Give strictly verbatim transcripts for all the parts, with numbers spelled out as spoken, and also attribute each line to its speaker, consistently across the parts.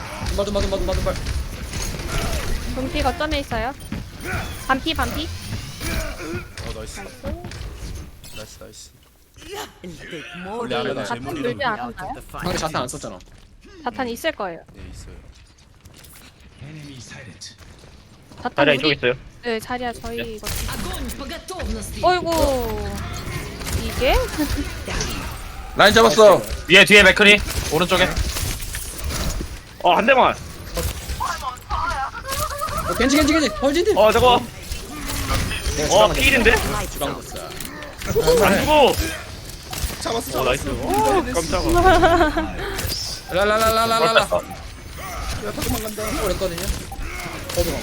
Speaker 1: 둠발 둠발 둠발 둠발 둠발.
Speaker 2: 금피 거점에 있어요. 반피 반피.
Speaker 3: 어 나이스 나이스 나이스
Speaker 4: And take more
Speaker 3: 원래 안 하나
Speaker 2: 자탄
Speaker 3: 제목이
Speaker 2: 물지
Speaker 4: out of
Speaker 2: 않았나요?
Speaker 4: the
Speaker 1: 상대
Speaker 4: fight.
Speaker 1: 자탄 안 썼잖아.
Speaker 2: 자탄 있을 거예요.
Speaker 3: 네 있어요
Speaker 2: 자탄
Speaker 5: 자리야
Speaker 2: 우리
Speaker 5: 이쪽 있어요.
Speaker 2: 네 자리야 저희 이거.
Speaker 6: Огонь по готовности!
Speaker 2: 어이구. 이지. 이게?
Speaker 7: 라인 잡았어.
Speaker 8: 위에 뒤에 맥크리 오른쪽에.
Speaker 5: 어, 한 대만.
Speaker 1: 어, 겐지 겐지 겐지 헐진디.
Speaker 5: 어, 저거.
Speaker 1: 내가
Speaker 5: 어,
Speaker 1: 주방
Speaker 5: 필인데?
Speaker 1: 주방 뒀어.
Speaker 5: 안 죽어.
Speaker 3: 잡았어
Speaker 5: 어, 나이스. 오, 깜짝아.
Speaker 1: 라라라라라라.
Speaker 8: 뺐다.
Speaker 3: 야 다 도망간다.
Speaker 1: 오랬거든요. 어디 가?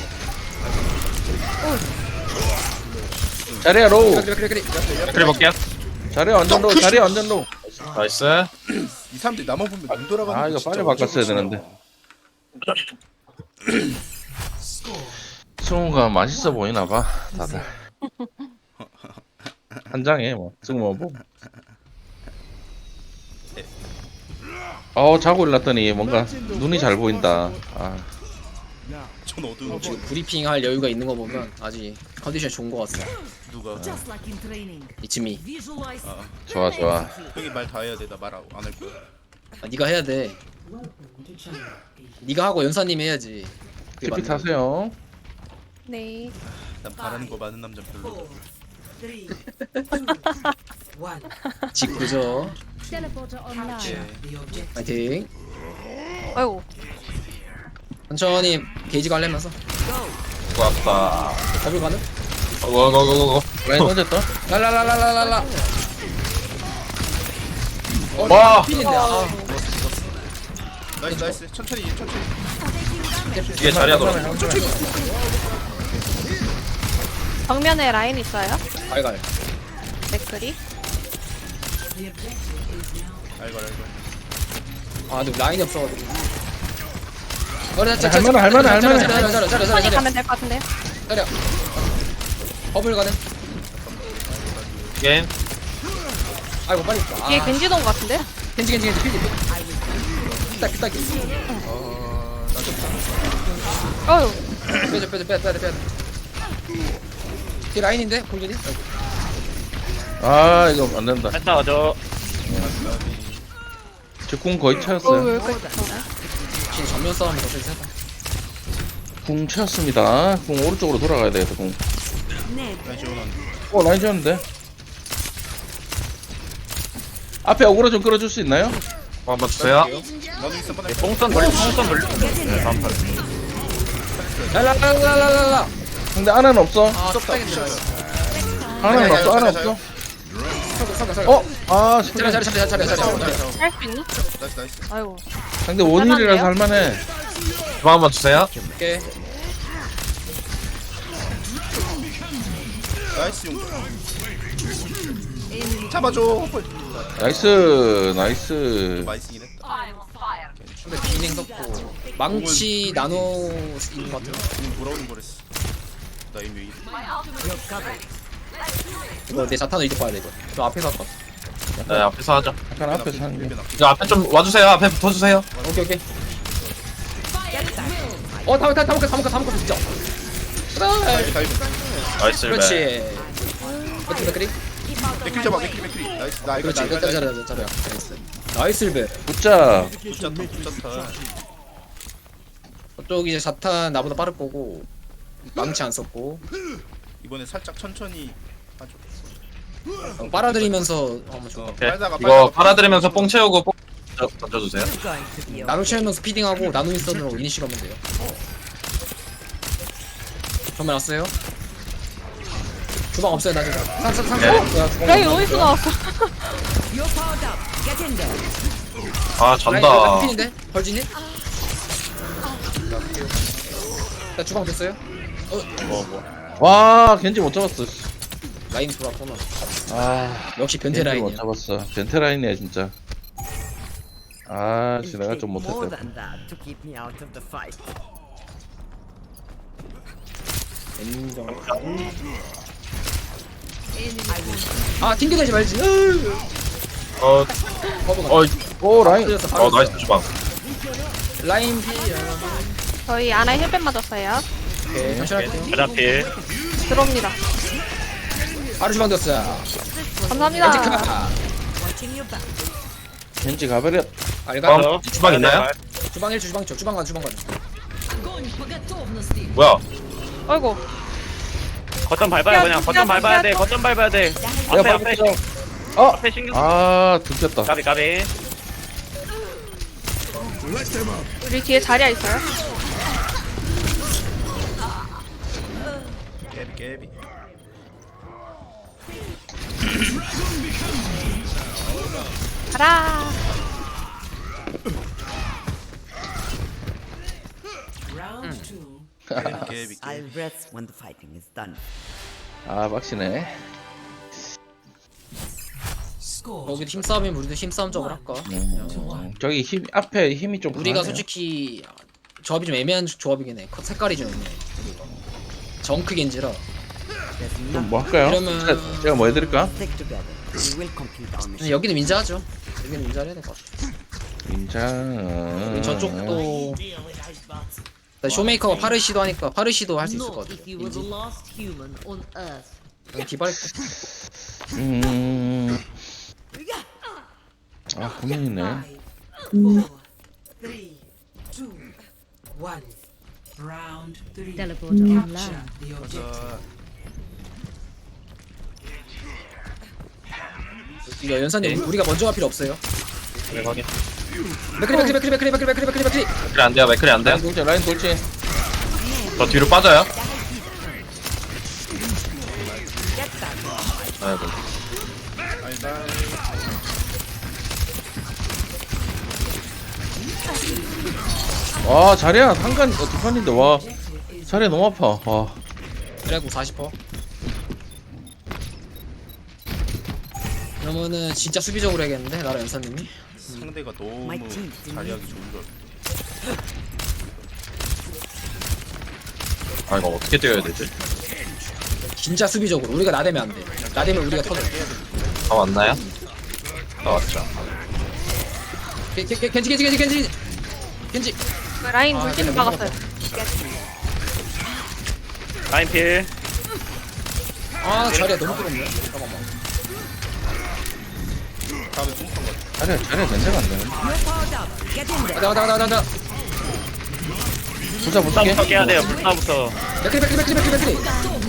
Speaker 7: 자리야 로우.
Speaker 1: 그래 그래 그래 그래.
Speaker 8: 맥크리 볼게요.
Speaker 7: 자리야 완전 로우. 자리야 완전 로우.
Speaker 8: 나이스.
Speaker 3: 이 사람들이 나만 보면 눈 돌아가는
Speaker 7: 아
Speaker 3: 거
Speaker 7: 이거
Speaker 3: 진짜
Speaker 7: 빨리 바꿨어야
Speaker 3: 어쩔
Speaker 7: 되는데.
Speaker 3: 수
Speaker 7: 승우가 맛있어 보이나 봐 다들. 한 장에 뭐 승우 뭐. 어 자고 일났더니 뭔가 눈이 잘 보인다. 아
Speaker 3: 전 어두운
Speaker 1: 지금 브리핑 할 여유가 있는 거 보면 아직 컨디션 좋은 거 같아.
Speaker 3: 누가
Speaker 4: Just like in training.
Speaker 1: 이츠미.
Speaker 4: Visualize.
Speaker 7: 좋아 좋아.
Speaker 3: 형이 말 다 해야 돼. 나 말 안 할 거야.
Speaker 1: 아, 네가 해야 돼. 네가 하고 연사님 해야지. 그게
Speaker 7: 티피
Speaker 1: 맞는
Speaker 7: 타세요.
Speaker 2: 네.
Speaker 3: 난 바라는 거 많은 남자 별로.
Speaker 6: Three, one.
Speaker 1: 거. 직구죠.
Speaker 6: Capture the objective.
Speaker 1: 파이팅.
Speaker 2: 아이고.
Speaker 1: 천천히 게이지 관리하면서
Speaker 8: 고맙다.
Speaker 1: 더블 가는.
Speaker 8: 고고고고고.
Speaker 7: 라인 던졌다.
Speaker 1: 랄랄랄랄랄라. 어,
Speaker 8: 와.
Speaker 1: 필인데. 아.
Speaker 3: 나이스 나이스. 천천히 천천히.
Speaker 8: 뒤에 자리야 돌아.
Speaker 2: 정면에 라인 있어요.
Speaker 1: 알갈.
Speaker 2: 맥크리.
Speaker 6: The objective is now
Speaker 3: 알걸 알걸.
Speaker 1: 아, 근데 라인이 없어가지고. 어래 자,
Speaker 7: 할만해, 할만해, 할만해.
Speaker 1: 자려 자려 자려 자려
Speaker 2: 천천히
Speaker 1: 자려
Speaker 2: 가면 될 것 같은데요.
Speaker 1: 자려. 버블 가는.
Speaker 8: 게임.
Speaker 1: 아이고 빨리.
Speaker 2: 뒤에
Speaker 1: 아,
Speaker 2: 겐지 돈 것 같은데?
Speaker 1: 겐지 겐지 겐지 필이. 딱 딱.
Speaker 2: 어휴.
Speaker 1: 빼줘 빼줘 빼줘 빼줘 빼줘. 뒤 라인인데 골든이?
Speaker 7: 아 이거 안 된다.
Speaker 5: 했다, 저.
Speaker 7: 제궁 거의
Speaker 2: 어휴,
Speaker 7: 채웠어요.
Speaker 2: 왜 이렇게 좋네.
Speaker 1: 지금 전면 싸움이 더 세다.
Speaker 7: 궁 채웠습니다. 궁 오른쪽으로 돌아가야 돼요. 궁.
Speaker 3: 나이스 원한.
Speaker 7: 어 라인 채웠는데. 앞에 어그로 좀 끌어줄 수 있나요?
Speaker 8: 어, 한번 주세요.
Speaker 3: 나도 있어 뻔해.
Speaker 5: 뽕선 돌리, 뽕선 돌리. 네, 다음 판.
Speaker 1: 랄랄랄랄랄라.
Speaker 7: 근데 아나는 없어.
Speaker 1: 아, 좁다게 들어요.
Speaker 7: 아나는
Speaker 3: 자리야,
Speaker 7: 없어. 아나
Speaker 3: 자리야,
Speaker 7: 없어.
Speaker 1: 서가 서가 서가.
Speaker 7: 어? 아
Speaker 1: 자리 자리 자리 자리 자리 자리.
Speaker 2: 할 수 있니?
Speaker 3: 나이스 나이스.
Speaker 2: 아이고.
Speaker 7: 상대 원일이라서 할만해.
Speaker 8: 주방 한번 주세요.
Speaker 1: 오케이.
Speaker 3: 나이스 용. 잡아줘. 헐.
Speaker 7: 나이스 나이스.
Speaker 3: 많이 쓰긴 했다.
Speaker 1: 근데 비냉 섞고 망치 나노 있는 것 같아.
Speaker 3: 지금 돌아오는 거랬어. 나 이미 이
Speaker 1: 이거 내 자탄을 이제 봐야 돼 이거. 저 앞에서 할까?
Speaker 8: 네, 앞에서 하죠.
Speaker 7: 약간 앞에서 하는 게.
Speaker 3: 일변 앞에.
Speaker 8: 이거 앞에 좀 와주세요. 앞에 붙어주세요.
Speaker 1: 오케이 오케이. 어 다음 다음 다음 거 다음 거 다음 거 진짜. 그래.
Speaker 3: 다이브.
Speaker 8: 나이스. 네.
Speaker 1: 그렇지. 어떻게 맥크리?
Speaker 3: 맥크리 잡아 맥크리 맥크리. 나이스 나 이거
Speaker 1: 그렇지.
Speaker 3: 나 이거
Speaker 1: 잘해
Speaker 3: 나
Speaker 1: 잘해 잘해. 나이스. 나이스 배.
Speaker 7: 붙자.
Speaker 3: 붙잡다 붙잡다.
Speaker 1: 저쪽 이제 자탄 나보다 빠를 거고 망치 안 썼고
Speaker 3: 이번에 살짝 천천히 하죠.
Speaker 1: 어, 빨아들이면서 한번 줘.
Speaker 8: 오케이.
Speaker 3: 빨다가
Speaker 8: 이거
Speaker 3: 빨다가
Speaker 8: 빨아들이면서 뽕 채우고 뽕 던져- 던져주세요.
Speaker 4: Going to be
Speaker 1: 나노 채우면서 피딩하고 나노 인선으로 이니시 가면 돼요. 정말 왔어요? 주방 없어요 나 지금. 상상 상상.
Speaker 8: 네.
Speaker 2: 라인 어디서 나왔어?
Speaker 4: You're powered up. Get in there.
Speaker 8: 아, 전다.
Speaker 1: 피인데 벌진이? 나 주방 됐어요?
Speaker 8: 뭐, 뭐.
Speaker 7: 와 겐지 못 잡았어.
Speaker 1: 라인 돌았구나.
Speaker 7: 아
Speaker 1: 역시 변태
Speaker 7: 겐지 못
Speaker 1: 라인이야.
Speaker 7: 잡았어. 변태 라인이야 진짜. 아
Speaker 4: It'll
Speaker 7: 씨, 내가
Speaker 4: take
Speaker 7: 좀
Speaker 4: more
Speaker 7: 못했다.
Speaker 4: than that to keep me out of the fight.
Speaker 1: 인정.
Speaker 4: I will
Speaker 1: 아 튕겨내지 말지. 으으.
Speaker 8: 어,
Speaker 1: 버버가.
Speaker 8: 어,
Speaker 7: 오 라인.
Speaker 1: 터졌어, 바로
Speaker 8: 어, 나이스 주방.
Speaker 1: 라인 피.
Speaker 2: 저희 아나 힐벤 맞았어요.
Speaker 1: 오케이 잠시만요.
Speaker 5: 가자필.
Speaker 2: 들어옵니다.
Speaker 1: 바로 주방 됐어요.
Speaker 2: 감사합니다.
Speaker 1: 엔지카.
Speaker 4: watching your back.
Speaker 7: 겐지 가버려.
Speaker 1: 알가.
Speaker 8: 어, 주방 있나요?
Speaker 1: 주방 일 주방 저 주방 가 주방 가.
Speaker 8: 뭐야?
Speaker 2: 아이고.
Speaker 5: 거점 밟아요, 그냥. 거점 밟아야 돼, 거점 밟아야 돼.
Speaker 7: 내가
Speaker 5: 앞에, 앞에.
Speaker 7: 밟았어. 어!
Speaker 5: 앞에 신경 쓰
Speaker 7: 아 들켰다.
Speaker 5: 까비 까비
Speaker 2: 우리 뒤에 자리야 있어요.
Speaker 3: 깨비 깨비.
Speaker 2: 가라.
Speaker 6: Round two.
Speaker 3: 깨비 깨비.
Speaker 4: I'll rest when the fighting is done.
Speaker 7: 아 빡치네.
Speaker 6: Score.
Speaker 1: 여기 힘싸움이면 우리도 힘싸움 쪽으로 할까?
Speaker 7: 음, 저기 힘 앞에 힘이 좀
Speaker 1: 우리가
Speaker 7: 강하네요.
Speaker 1: 솔직히 조합이 좀 애매한 조합이긴 해. 컷 색깔이 좀 애매해. 우리가. 정크 겐지라.
Speaker 7: 좀 뭐 할까요?
Speaker 1: 그러면-
Speaker 7: 제가, 제가 뭐 해드릴까?
Speaker 4: Stick together. We will complete our mission.
Speaker 1: 여기는 민자하죠. 여기는 민자를 해야 될 것 같아.
Speaker 7: 인장.
Speaker 1: 우리 저쪽도 일단 쇼메이커가 파르시도 하니까 파르시도 할 수 있을 것 같아.
Speaker 4: If you were the last human on Earth.
Speaker 1: 여기 디바할게.
Speaker 7: 음. 아 고민이네.
Speaker 6: Five, four, three, two, one. Round three.
Speaker 9: Teleporter
Speaker 6: Capture
Speaker 9: online.
Speaker 6: the objective.
Speaker 1: 이거 연사님 우리가 먼저 갈 필요 없어요.
Speaker 8: 네, 확인.
Speaker 1: 맥크리 맥크리 맥크리 맥크리 맥크리 맥크리 맥크리 맥크리.
Speaker 8: 맥클이 안 돼요, 맥클이 안 돼요.
Speaker 7: 라인 돌진 라인 돌진.
Speaker 8: 저 뒤로 빠져요. 아이고.
Speaker 7: 와 자리야 한간 어, 두 판인데 와 자리야 너무 아파. 와.
Speaker 1: 그래갖고 사십 퍼센트. 그러면은 진짜 수비적으로 해야겠는데 나라 연사님이.
Speaker 3: 상대가 너무
Speaker 4: My team.
Speaker 3: 자리하기 좋은 걸.
Speaker 8: 아, 이거 어떻게 뛰어야 되지?
Speaker 1: 진짜 수비적으로 우리가 나대면 안 돼. 나대면 우리가 터져.
Speaker 8: 다 왔나요? 다 왔죠.
Speaker 1: 겐- 겐- 겐- 겐지 겐지 겐지 겐지 겐지.
Speaker 2: 그 라인
Speaker 1: 아,
Speaker 2: 물기는
Speaker 1: 그래,
Speaker 2: 막았어요.
Speaker 5: 라인 필
Speaker 1: 아 자리야 너무 뜨겁네. 잠깐만.
Speaker 7: 자리야 자리야 냄새가 안 나네.
Speaker 1: 가자 가자 가자 가자.
Speaker 7: 부자
Speaker 5: 불사부터
Speaker 7: 붙게.
Speaker 5: 깨야 돼요 불사부터
Speaker 1: 맥크리 맥크리 맥크리 맥크리 맥크리.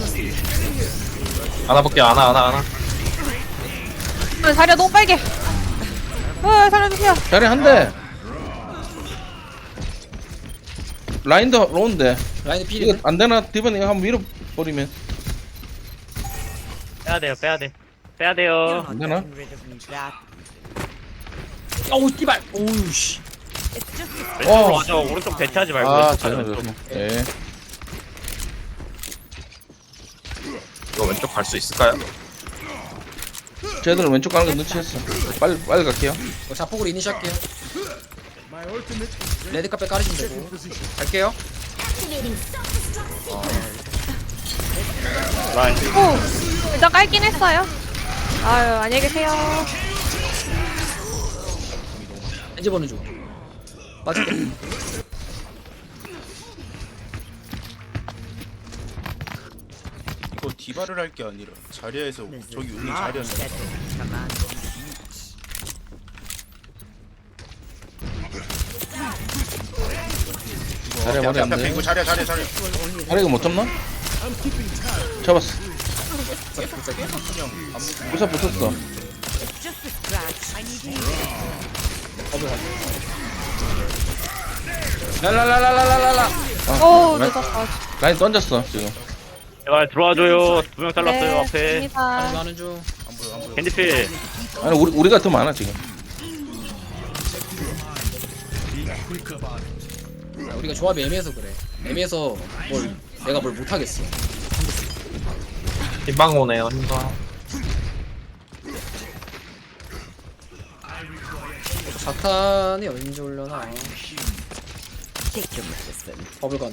Speaker 8: 하나 볼게요, 하나, 하나, 하나.
Speaker 2: 어, 자리야 너무 빨개. 어, 살려주세요.
Speaker 7: 자리야 한 대. 라인도 로운데
Speaker 1: 라인
Speaker 7: 이거
Speaker 1: 필인데.
Speaker 7: 안 되나? 디번 이거 한번 밀어버리면
Speaker 5: 빼야 돼요 빼야 돼 빼야
Speaker 4: You're
Speaker 5: 돼요
Speaker 4: not
Speaker 7: Then, huh?
Speaker 4: getting rid of me that.
Speaker 1: 어우 띠발. 오우 씨.
Speaker 4: It's just a
Speaker 5: 왼쪽으로
Speaker 7: 어.
Speaker 5: 가죠 오른쪽 대체하지 말고
Speaker 7: 아
Speaker 5: 왼쪽 가죠,
Speaker 7: 자리야
Speaker 5: 왼쪽.
Speaker 7: 좋네. 예.
Speaker 8: 이거 왼쪽 갈 수 있을까요?
Speaker 7: 쟤들은 왼쪽 가는 거 눈치챘어. 빨리 빨리 갈게요.
Speaker 1: 이거 자폭으로 이니시 할게요. 레드 카페 깔으시면 되고. 갈게요.
Speaker 5: 라인
Speaker 2: 오, 일단 깔긴 했어요. 아유, 안녕히 계세요.
Speaker 1: 겐지 보는 중. 맞을게.
Speaker 3: 이거 디바를 할 게 아니라 자리에서
Speaker 4: This is
Speaker 3: 저기 있는
Speaker 4: much
Speaker 3: 자리한테
Speaker 4: better than command.
Speaker 7: 자리야 머리 안
Speaker 3: 앞에
Speaker 7: 돼.
Speaker 3: 이거 자리야 자리야 자리야.
Speaker 7: 자리가 못 잡나? 잡았어. 부자 붙었어.
Speaker 4: Just a scratch. I need you.
Speaker 1: 랄랄랄랄랄랄라.
Speaker 7: 아,
Speaker 2: 오,
Speaker 7: 라인,
Speaker 2: 늦었어.
Speaker 7: 라인 던졌어 지금.
Speaker 5: 제발 들어와줘요 두 명 잘랐어요
Speaker 2: 네,
Speaker 5: 앞에
Speaker 2: 됩니다.
Speaker 1: 가는 중.
Speaker 5: 캔디 필
Speaker 7: 아니 우리 우리가 더 많아 지금.
Speaker 1: 야, 우리가 조합이 애매해서 그래. 애매해서 뭘 내가 뭘 못하겠어.
Speaker 8: 흰방 오네요, 흰방.
Speaker 1: 자탄이 언제 올려나?
Speaker 4: Take your medicine.
Speaker 1: 버블 가능.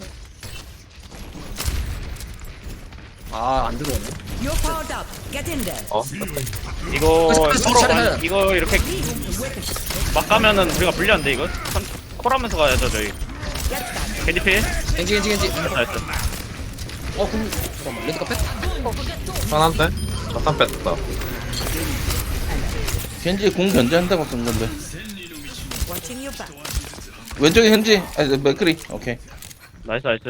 Speaker 1: 아, 안 들어오네.
Speaker 4: You're powered up. Get in there.
Speaker 8: 어?
Speaker 5: 이거
Speaker 1: 빨리,
Speaker 5: 서로
Speaker 1: 빨리,
Speaker 5: 가-
Speaker 1: 빨리.
Speaker 5: 이거 이렇게 막 가면은 우리가 불리한데 이거 선- 콜하면서 가야죠 저희 캔디 필
Speaker 1: 겐지, 겐지, 겐지.
Speaker 5: 나이스
Speaker 1: 어, 금. 잠깐만, 레드 카페?
Speaker 8: 편한데? 자탄 뺐다.
Speaker 7: 현지 공 견제한다고 쓴 건데.
Speaker 4: Watching your back.
Speaker 7: 왼쪽에 현지. 아니 맥크리. 오케이.
Speaker 5: 나이스 나이스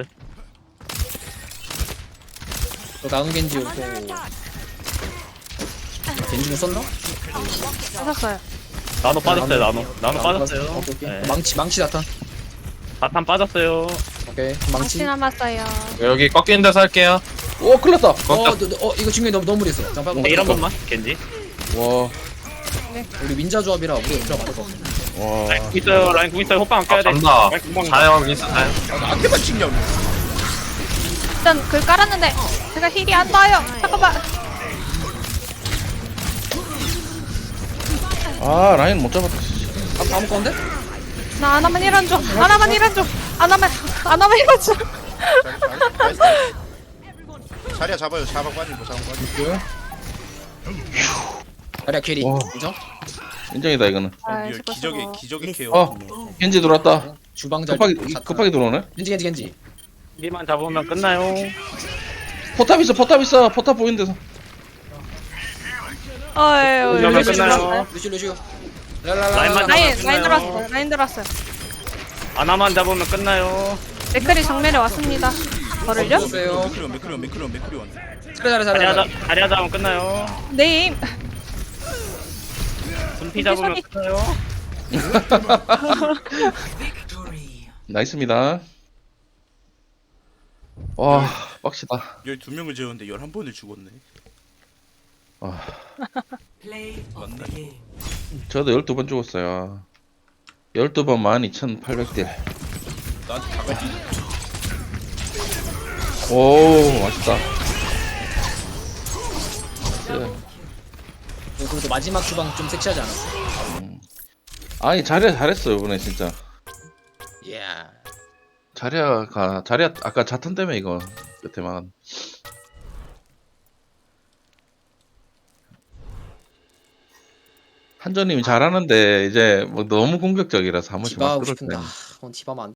Speaker 1: 또 나은 겐지 오고. 겐지는 썼나?
Speaker 2: 하셨어요.
Speaker 5: 나노 빠졌어요 나노 나노
Speaker 1: 아,
Speaker 5: 빠졌어요.
Speaker 1: 오케이, 오케이.
Speaker 5: 네.
Speaker 1: 망치 망치 나탄.
Speaker 5: 바탄 빠졌어요.
Speaker 1: 오케이
Speaker 2: 망치
Speaker 1: 망치.
Speaker 2: 남았어요.
Speaker 8: 여기 꺾이는 데서 할게요.
Speaker 7: 오 큰일 났다.
Speaker 1: 어, 너, 너, 어 이거 중요해. 너무 너무 무리했어. 잠깐
Speaker 5: 근데 이런 번만 겐지.
Speaker 7: 와,
Speaker 1: 우리 민자 조합이라 우리 들어 맞을 거 없어.
Speaker 7: 와.
Speaker 5: 라인 궁 있어요. 라인 궁 있어요. 호빵 안
Speaker 8: 아,
Speaker 5: 껴야 돼.
Speaker 8: 간다.
Speaker 5: 라인 궁
Speaker 8: 자요, 윈스 자요.
Speaker 3: 나한테만 찍냐고.
Speaker 2: 일단 글 깔았는데 제가 힐이 안 닿아요. 잠깐만.
Speaker 7: 아 라인 못 잡았다. 씨.
Speaker 1: 아, 다음 건데?
Speaker 2: 나 하나만 힐한 줘. 하나만 힐한 줘. 하나만 하나만 힐한 줘.
Speaker 3: 나이스. 자리야 잡아요. 잡아 빠지고 잡아 빠지고.
Speaker 1: 자리야 캐리.
Speaker 7: 와.
Speaker 1: 인정?
Speaker 7: 인정이다 이거는.
Speaker 2: 아,
Speaker 3: 리얼
Speaker 2: 수고,
Speaker 3: 기적의
Speaker 2: 수고.
Speaker 3: 기적의 케어.
Speaker 7: 어, 겐지 들어왔다.
Speaker 1: 주방잘.
Speaker 7: 급하게 급하게 들어오네.
Speaker 1: 겐지 겐지 겐지.
Speaker 5: 이만 잡으면 끝나요.
Speaker 7: 포탑 있어, 포탑 있어, 포탑 보이는 데서.
Speaker 2: 어유.
Speaker 5: 이러면 끝나요.
Speaker 1: 루시 루시.
Speaker 5: 라인만
Speaker 2: 라인
Speaker 5: 잡으면
Speaker 2: 라인
Speaker 5: 끝나요.
Speaker 2: 들어왔어요. 라인 들어왔어요.
Speaker 5: 하나만 잡으면 끝나요.
Speaker 2: 댓글이 정면에 왔습니다. 저를요?
Speaker 1: 보세요.
Speaker 3: 맥크리온 맥크리온 맥크리온 맥크리온.
Speaker 1: 잘해 잘해
Speaker 5: 자리
Speaker 1: 잘해.
Speaker 5: 하자 자리 하자 하면 끝나요.
Speaker 2: 네임.
Speaker 5: 분피 잡으면
Speaker 2: 소리.
Speaker 5: 끝나요.
Speaker 6: Victory.
Speaker 7: 나이스입니다. 와, 빡시다.
Speaker 3: 열두 명을 재웠는데 열한 번을 죽었네.
Speaker 7: 아,
Speaker 6: Play of the game.
Speaker 7: 저도 열두 번 죽었어요. 열두 번 만 이천팔백 딜.
Speaker 3: 나한테 다가지.
Speaker 7: 오, 맛있다.
Speaker 1: 그리고 마지막 주방 좀 섹시하지 않았어?
Speaker 7: 아니 자리야 잘했어 이번에 진짜.
Speaker 1: 예.
Speaker 7: 자리야가 자리야 아까 자탄 때문에 이거 끝에만. 한조님이 잘하는데 이제 뭐 너무 공격적이라서 한 번씩
Speaker 1: 디바
Speaker 7: 막
Speaker 1: 하고
Speaker 7: 그럴
Speaker 1: 싶은데
Speaker 7: 때.
Speaker 1: 아, 오늘 디바만 안